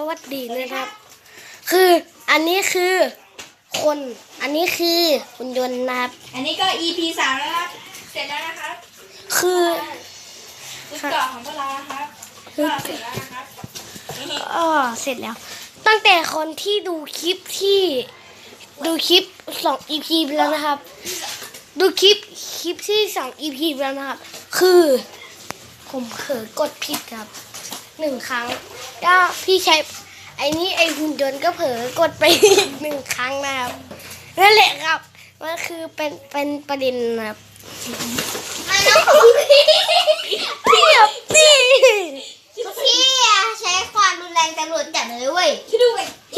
วัสดีนะครับคืออันนี้คือคนอันนี้คือหุ่นยนต์นะครับอันนี้ก็ EP 3แล้วครับเสร็จแล้วนะครับคือชุดเกาะของพวกเรานะครับก็เสร็จแล้วนะครับนี่เสร็จแล้ว ตั้งแต่คนที่ดูคลิป2 EP ไปแล้วนะครับ ดูคลิปที่2 EP ไปแล้วนะครับ คือผมเผลอกดผิดครับ1 ครั้งก็พี่ใช้ไอ้หุ่นยนต์ก็เผลอกดไปอีก1 ครั้งนะครับนั่นแหละครับมันคือเป็นประเด็นนะครับมันต้องพี่แบบนี่พี่ใช้ความรุนแรงตำรวจจับเลยเว้ยคิดดูไป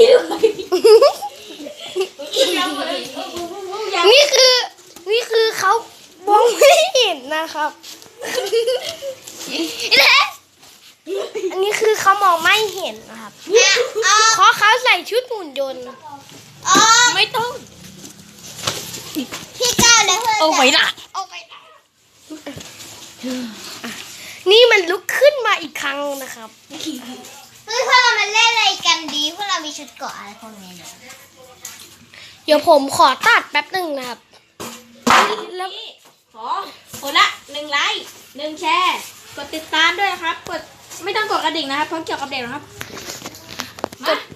นี่คือเขามองไม่เห็นนะครับอันนี้คือเขามองไม่เห็นนะครับเพราะเขาใส่ชุดหุ่นยนต์ไม่ต้องพี่ก้าวเลยเพื่อนเอาไว้ละนี่มันลุกขึ้นมาอีกครั้งนะครับเฮ้ยพวกเรามาเล่นอะไรกันดีพวกเรามีชุดเกราะอะไรพวกนี้เนี่ยเดี๋ยวผมขอตัดแป๊บหนึ่งนะครับแล้วขอคนละ1 ไลค์ 1 แชร์กดติดตามด้วยนะครับกดไม่ต้องกดกระดิ่งนะครับเพราะเกี่ยวกับเด็กนะครับมา